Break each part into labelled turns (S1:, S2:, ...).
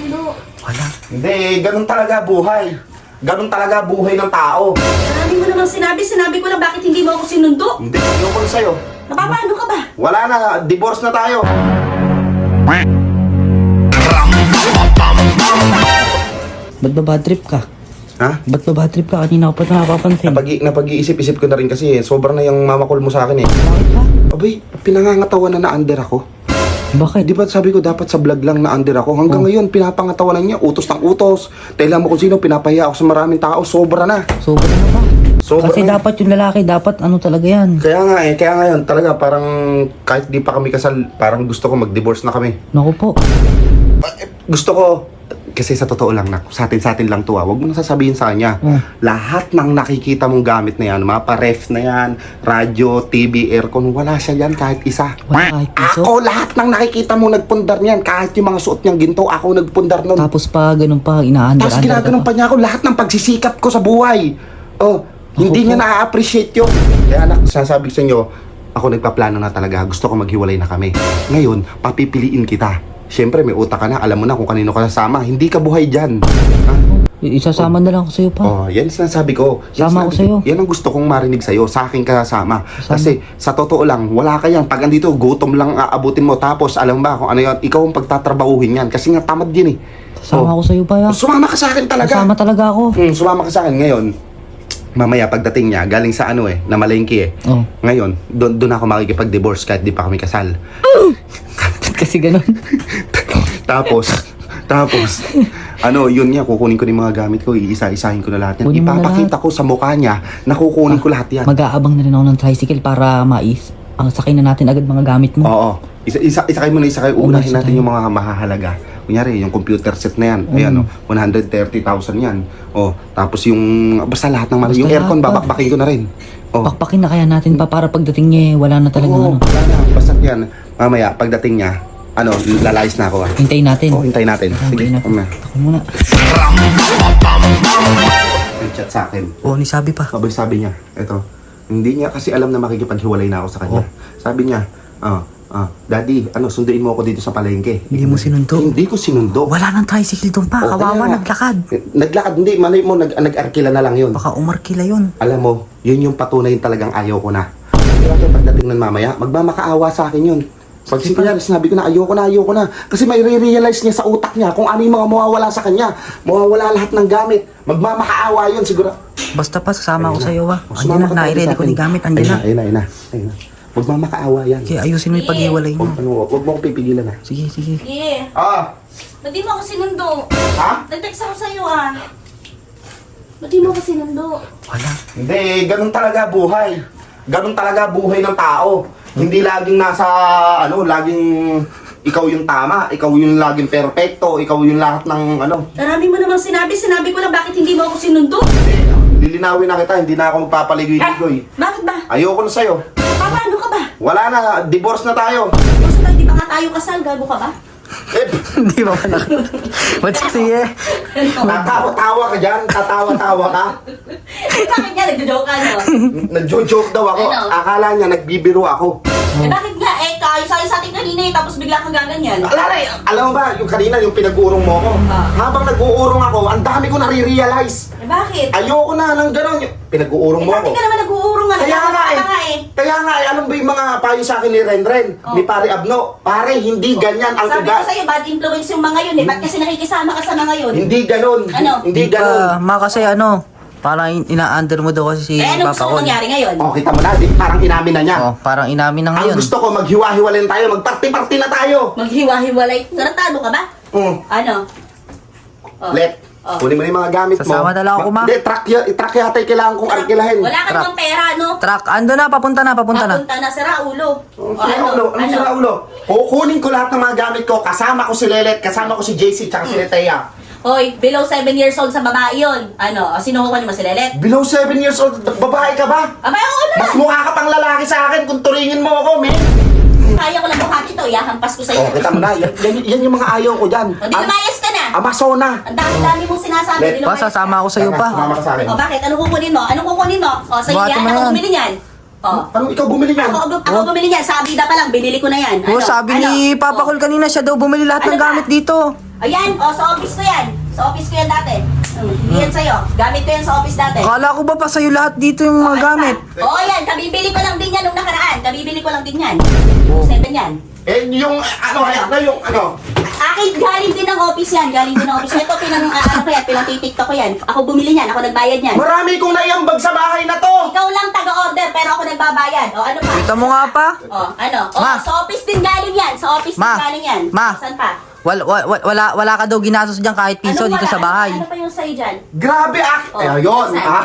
S1: sinundo.
S2: Wala.
S3: Hindi, ganun talaga buhay. Ganun talaga buhay ng tao.
S1: Marami mo namang sinabi. Sinabi ko lang bakit hindi mo ako sinundo.
S3: Hindi, ayoko na sa'yo.
S1: Napapano ka ba?
S3: Wala na, divorce na tayo.
S2: Ba't ba bad trip ka?
S3: Ha?
S2: Ba't ba bad trip ka? Kanina ko pa ito napapansin.
S3: Napag-iisip-isip ko na rin kasi sobrang na yung mamakul mo sa akin eh.
S2: Bakit ba?
S3: Abay, pinangangatawan na under ako.
S2: Bakit?
S3: Di ba sabi ko dapat sa vlog lang na under ako? Hanggang ngayon, pinapangatawanan niya, utos ng utos. Tailan mo kung sino, pinapahiya ako sa maraming tao, sobra na.
S2: Sobra na ba?
S3: Sobra
S2: Kasi
S3: na.
S2: dapat yung lalaki, dapat ano talaga yan.
S3: Kaya nga eh, kaya ngayon talaga parang kahit di pa kami kasal, parang gusto ko mag-divorce na kami.
S2: Naku po.
S3: Gusto ko, kasi sa totoo lang na, sa atin lang to ah, huwag mo nang sasabihin sa kanya. Lahat ng nakikita mong gamit na yan, mga pa-ref na yan, radyo, TV, aircon, wala siya yan kahit isa.
S2: Wala kahit piso.
S3: Ako, lahat ng nakikita mo nagpundar niyan, kahit yung mga suot niyang ginto, ako nagpundar nun.
S2: Tapos pa, ganun pa, ina-under-under
S3: Tapos ginaganon pa niya ako lahat ng pagsisikap ko sa buhay. Oh, hindi niya na-appreciate yun. Kaya anak, sasabi ko sa inyo, ako nagpaplano na talaga, gusto ko maghiwalay na kami. Ngayon, papipiliin kita. Siyempre, may utak ka na, alam mo na kung kanino ka sasama. Hindi ka buhay dyan. Ha?
S2: Isasama na lang ako sa'yo pa.
S3: Oh, yan sinasabi ko.
S2: Sama ako sa'yo.
S3: Yan ang gusto kong marinig sa'yo. Sa akin ka sasama. Kasi sa totoo lang, wala ka yan. Pag andito, gutom lang aabutin mo. Tapos, alam ba kung ano yan, ikaw ang pagtatrabahuhin yan. Kasi nga tamad yan eh.
S2: Sama ako sa'yo pa ya.
S3: Sumama ka sa akin talaga.
S2: Sama talaga ako.
S3: Sumama ka sa akin ngayon. Mamaya pagdating niya, galing sa ano eh, na malengke eh.
S2: Oh.
S3: Ngayon, doon ako makikipag-divorce kahit di pa kami kasal.
S2: Kasi ganun.
S3: Tapos, ano, yun niya, kukunin ko yung mga gamit ko, iisa-isahin ko na lahat yan.
S2: Kunin mo na
S3: Ipapakita ko sa mukha niya na kukunin ko lahat yan.
S2: Mag-aabang na rin ako ng tricycle para ang sakay na natin agad mga gamit mo.
S3: Oo. Isakay mo na isakay. Uunahin natin yung mga mahahalaga. Kunyari, yung computer set na yan. Ayan, 130,000 yan. Oh, tapos yung, basta lahat ng
S2: Basta
S3: yung aircon,
S2: lahat pa.
S3: babakbakin ko na rin. Oh.
S2: Pakpakin na kaya natin pa para pagdating niya, wala na talagang
S3: Oo,
S2: ano.
S3: wala na. Basta yan. Mamaya, pagdating niya, ano, lalayas na ako ah.
S2: Hintayin natin.
S3: Oh, hintayin natin. Sige,
S2: Hintayin natin.
S3: na.
S2: Ako muna.
S3: Nag-chat sa akin.
S2: Oo, ni sabi pa.
S3: Sabi niya, eto, hindi niya kasi alam na makikipaghiwalay na ako sa kanya. Sabi niya, Daddy, sunduin mo ako dito sa palengke.
S2: Hindi mo sinundo?
S3: Hindi ko sinundo.
S2: Wala nang tricycle doon pa.
S3: Oh,
S2: Kawawa,
S3: kaya nga.
S2: naglakad.
S3: Naglakad, hindi. Malay mo, nag-arkila na lang yun.
S2: Baka umarkila yun.
S3: Alam mo, yun yung patunay talagang ayaw ko na. Kaya pagdating ng mamaya, magmamakaawa sa akin yun. Pag sinabi ko na ayoko na. Kasi may re-realize niya sa utak niya kung ano yung mga mawawala sa kanya. Mawawala lahat ng gamit. Magmamakaawa yun siguro.
S2: Basta pa, sasama ako sa'yo ah.
S3: Sumama
S2: Andiyan na,
S3: ka talaga
S2: nai-ready
S3: sa
S2: ko
S3: akin.
S2: ni gamit. Andiyan na.
S3: Ayun na. Magmamakaawa yan.
S2: Kaya ayusin mo yung paghiwalay mo.
S3: Huwag mo akong pipigilan ha.
S2: Sige.
S1: Yeah. Ba't di mo ako sinundo?
S3: Ha?
S1: Nag-text ako sa'yo ah. Ba't di mo ako sinundo?
S2: Wala.
S3: Hindi, ganun talaga buhay. Ganun talaga buhay ng tao. Hindi laging nasa, laging ikaw yung tama, ikaw yung laging perfecto, ikaw yung lahat ng
S1: Marami mo namang sinabi. Sinabi ko lang bakit hindi mo ako sinundo.
S3: Lilinawin na kita, hindi na ako magpapaligoy-ligoy.
S1: Bakit ba?
S3: Ayoko na sa'yo.
S1: Paano ka ba?
S3: Wala na, divorce na tayo.
S1: Basta hindi pa nga tayo kasal. Gago ka ba?
S2: Hindi ba pala? Ba't kasi eh?
S3: Tatawa-tawa ka dyan, tatawa-tawa ka.
S1: Bakit nga? Nagdo-joke ka, no?
S3: Nagjo-joke daw ako,
S1: Ano?
S3: akala niya nagbibiro ako.
S1: Bakit nga? Kaayos-ayos sa atin kanina tapos bigla kang gaganyan.
S3: Alam mo ba, yung kanina, yung pinag-uurong mo ako, habang nag-uurong ako, ang dami ko nare-realize.
S1: Bakit?
S3: Ayoko na ng gano'n. Pinag-uurong mo ako.
S1: Bakit ka naman nag-uurong nga?
S3: Kaya nga
S1: Kaya nga eh.
S3: alam ba yung mga payo sa akin ni Renren, ni Pare Abno? Pare, hindi ganyan ang
S1: Sabi ko
S3: ugat.
S1: sa'yo, bad influence yung mga yun eh. Ba't kasi nakikisama ka sa mga yun?
S3: Hindi ganon.
S1: Ano?
S3: Hindi ganon.
S2: Kasi parang ina-under mo daw kasi si
S1: Ano gusto
S2: Papa
S1: mo
S2: Col.
S1: mangyari ngayon?
S3: Oh, kita mo na, parang inamin na niya.
S2: Oh, parang inamin na
S3: Ang
S2: ngayon.
S3: gusto ko, maghiwa-hiwalay tayo, magparty-party na tayo.
S1: Maghiwa-hiwalay. Tarantado ka ba? Ano? Oh.
S3: Let, kunin mo na yung mga gamit mo.
S2: Sasama na lang ako, ma.
S3: Hindi, truck yata yung kailangan kong arkilahin.
S1: Wala ka namang pera, no?
S2: Truck, ando na, papunta na.
S1: Papunta na, sira ulo.
S3: Sira ulo, ano sira ulo? Kukunin ko lahat ng mga gamit ko, kasama ko si Lelet, kasama ko si JC, tsaka si Letea.
S1: Hoy, below 7 years old sa babae yun. Sinukuha niyo mo si Lelet?
S3: Below 7 years old, babae ka ba?
S1: Abay, oo na.
S3: Mas mukha ka pang lalaki sa akin kung turingin mo ako, men.
S1: Kaya ko lang buhati to, yahampas ko sa'yo.
S3: Oh, kita mo na, yan yung mga ayaw ko dyan.
S1: O, di lumayas ka na.
S3: Amazona.
S1: Ang dami-dami mong sinasabi.
S3: Let,
S1: di lumayas
S2: Sasama ako sa'yo
S3: Sumama
S2: pa.
S3: ka sa akin.
S1: O, bakit? Anong kukunin mo? Sige,
S2: Buhati
S1: yan.
S2: mo
S1: Ako
S2: yan.
S1: bumili niyan. Oh.
S3: Parang ikaw bumili yan.
S1: Ako bumili niyan. Sa Abida pa lang, binili ko na yan.
S2: Oh, sabi ni Papa Cool kanina, siya daw bumili lahat
S1: Ano
S2: ng
S1: ba?
S2: gamit dito.
S1: Ayan, sa office ko yan. Sa office ko yan dati. Hindi yan sa'yo. Gamit ko yan sa office dati.
S2: Akala ko ba pa sa'yo lahat dito yung mga gamit?
S1: Oo, yan. Kabibili ko lang din yan nung nakaraan. Kabibili ko lang din yan.
S2: Oh.
S1: 7 yan.
S3: Eh, yung
S1: Akin, galing din ng office yan. Galing din ng office. Ito, pinang-titiktok ko yan. Ako bumili niyan. Ako nagbayad niyan.
S3: Marami kong naiambag sa bahay na to.
S1: Ikaw lang taga-order, pero ako nagbabayad. O, ano pa?
S2: Kita mo nga pa.
S1: O, ano? O,
S2: Ma.
S1: sa office din galing yan. Sa office din
S2: Ma.
S1: galing yan.
S2: Ma.
S1: Saan pa?
S2: Wala ka daw ginastos dyan kahit piso
S1: Anong
S2: dito
S1: wala?
S2: sa bahay.
S1: Ano pa yung sa'yo dyan?
S3: Grabe
S1: Oh,
S3: ayun.
S1: saan?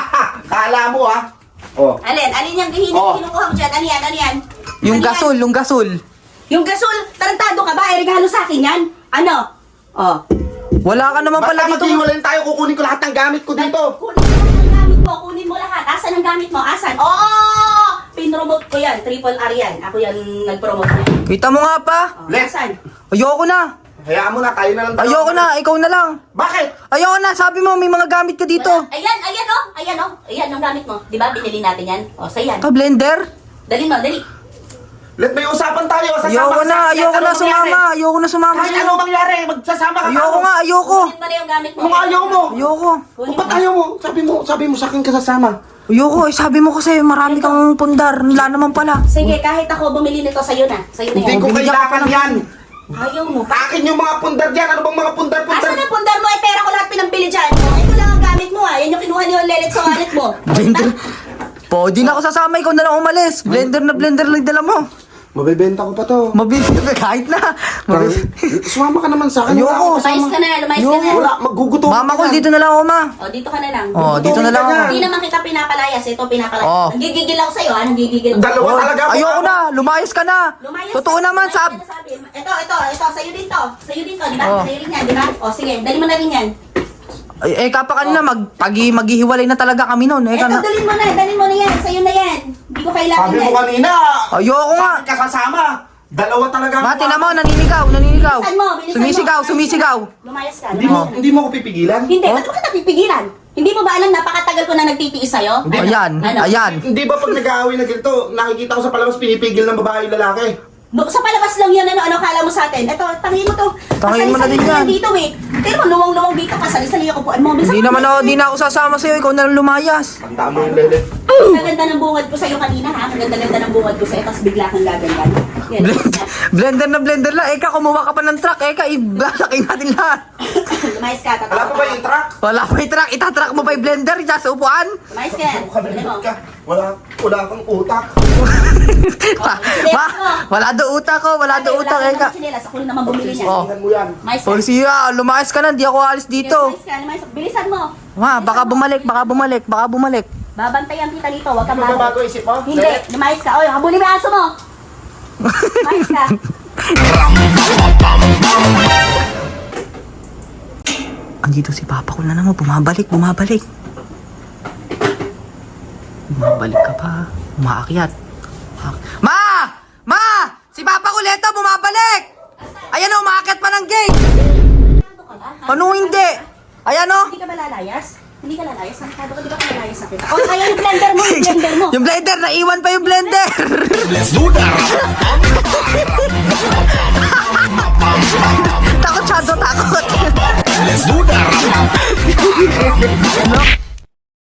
S3: Kala mo Oh.
S1: Alin yung
S3: Oh.
S1: kinukuha mo dyan? Ano yan?
S2: Yung
S1: Ano yan?
S2: gasol.
S1: Yung gasol, tarantado ka ba? Regalo sa akin yan? Ano? Oh.
S2: Wala ka naman
S3: Basta
S2: pala dito.
S3: maghiwalayin tayo, kukunin ko lahat ng gamit ko dito.
S1: Kunin mo lahat ng gamit mo. Kunin mo lahat. Asan ang gamit mo? Asan? Oo! Pinromote ko yan. Triple R yan. Ako yan nag-promote yan.
S2: Kita mo nga pa.
S1: Oh,
S3: Let's-
S1: asan?
S2: Ayoko na.
S3: Hayaan mo na, tayo na lang dalawa.
S2: Ayoko na, ikaw na lang.
S3: Bakit?
S2: Ayoko na, sabi mo may mga gamit ka dito.
S1: Wala. Ayan oh. Ayan yung gamit mo. Di ba? Binili natin yan. O, sa yan.
S2: Ka blender?
S1: Dali mo, dali.
S3: Let may usapan tayo. Sasama
S2: Ayoko
S3: ka sa
S2: na,
S3: akin.
S2: ayoko
S3: Ano
S2: na
S3: mangyari?
S2: sumama. Ayoko na sumama
S3: Kahit
S2: sa'yo.
S3: ano mangyari, magsasama ka.
S2: Ayoko nga, ayoko.
S1: Kunin mo na yung gamit mo.
S3: Anong ayaw mo?
S2: Ayoko.
S1: Kunin
S3: Ba't
S1: mo.
S3: ayaw mo? Sabi mo sa akin ka sasama.
S2: Ayoko, sabi mo kasi marami kang pundar. Wala naman pala.
S1: Sige, kahit ako bumili nito, sa'yo na. Sa'yo na
S3: Hindi
S1: yan.
S3: ko kailangan yan.
S1: Ayaw mo.
S3: Akin yung mga pundar dyan. Ano bang mga pundar-pundar?
S1: Asan ang pundar mo? Eh, pera ko lahat pinambili dyan. O, ito lang ang gamit mo Yan yung kinuha niyo lelet sa wallet mo.
S2: Blender. Po, di na ako sasama, ikaw na lang umalis. Blender na blender lang dala mo.
S3: Mabibenta ko pa to.
S2: Mabibig kahit na.
S3: Sumama ka naman sa akin.
S2: Ayoko.
S3: Wala akong
S1: Lumayas
S3: kasama.
S1: ka na, lumayas ka na.
S3: Wala, maggugutom.
S2: Mama ko, dito na lang ako, ma.
S1: O, dito ka na lang.
S2: Oh, dito na lang ako.
S1: Hindi naman kita pinapalayas. Ito, pinapalayas.
S2: Oh.
S1: Nanggigigil ako sa'yo, ha? Nanggigigil ako.
S3: Dalawa talaga ako.
S2: Ayoko na, lumayas ka na.
S1: Lumayas
S2: Totoo
S1: ka.
S2: naman,
S1: Lumayas ka na sabi. Ito. Sa'yo din to. Sa'yo din to, di ba?
S2: Oh.
S1: Sa'yo rin yan, di ba? O, sige. Dali mo na rin yan.
S2: Kapa kanina, maghihiwalay na talaga kami noon.
S1: Ito, dalhin mo na yan. Sa'yo na yan. Hindi ko kailangan
S3: Sabi mo
S1: yan.
S3: kanina.
S2: Ayoko nga.
S3: Sabi ka sasama. Dalawa talaga.
S2: Mati na mo, naninigaw.
S1: Bilisan mo, bilisan mo.
S2: Sumisigaw.
S1: Lumayas ka.
S3: Hindi mo ako pipigilan.
S1: Hindi, ba't mo kita pipigilan? Hindi mo ba alam, napakatagal ko na nagtitiis sa'yo?
S2: Ayan,
S1: Ano?
S2: ayan.
S3: Hindi ba pag nag-aaway na ganito, nakikita ko sa palabas pinipigil ng babae yung lalaki?
S1: Sa palabas lang yun, ano kala mo sa atin? Ito, tangin mo to.
S2: Tangin mo na din
S1: Pasali-sali
S2: yan.
S1: dito eh. Pero mo, luwang-luwang dito, pasali-sali yung kupuan mo.
S2: Hindi naman ako, di na ako sasama sa'yo. Ikaw na lang lumayas.
S3: Ang tama yung lele.
S1: Kaganda ng bungad ko sa'yo kanina ha. Kaganda-ganda ng bungad ko sa'yo, tapos bigla kang gaganyan. Yan.
S2: Blender na blender lang. Kumuha ka pa ng truck. Ibasakin natin lahat.
S1: Lumayas ka,
S3: Wala pa ba yung truck?
S2: Wala pa yung truck. Itatrack mo pa yung blender. Isa sa upuan.
S1: Lumayas ka. Ano mo?
S3: Wala kang utak.
S2: Wala do utak ko. Wala do utak.
S1: Ako rin naman bumili niya.
S2: Oh.
S3: Tingnan mo yan.
S1: Lumayas ka.
S2: Polisiya, lumayas ka na. Di ako alis dito.
S1: Lumayas ka. Bilisan mo.
S2: Ma, baka bumalik.
S1: Babantayan kita dito, huwag kang
S3: Magbabago isip mo?
S1: Hindi, lumayas ka. Oy, habulin mo yung aso mo. Lumayas ka.
S2: Andito si Papa ko na naman. Bumabalik. Bumabalik ka pa. Umaakyat. Ma! Ma! Si Papa Kuleto bumabalik! Ayan o, umaakyat pa ng gate! Ano hindi? Ayan o!
S1: Hindi ka ba lalayas? Hindi ka lalayas? Nakakado ka, di ba ka lalayas na kita? Oh, kaya yung blender mo, yung blender mo.
S2: Yung blender! Naiwan pa yung blender! Takot siya, takot!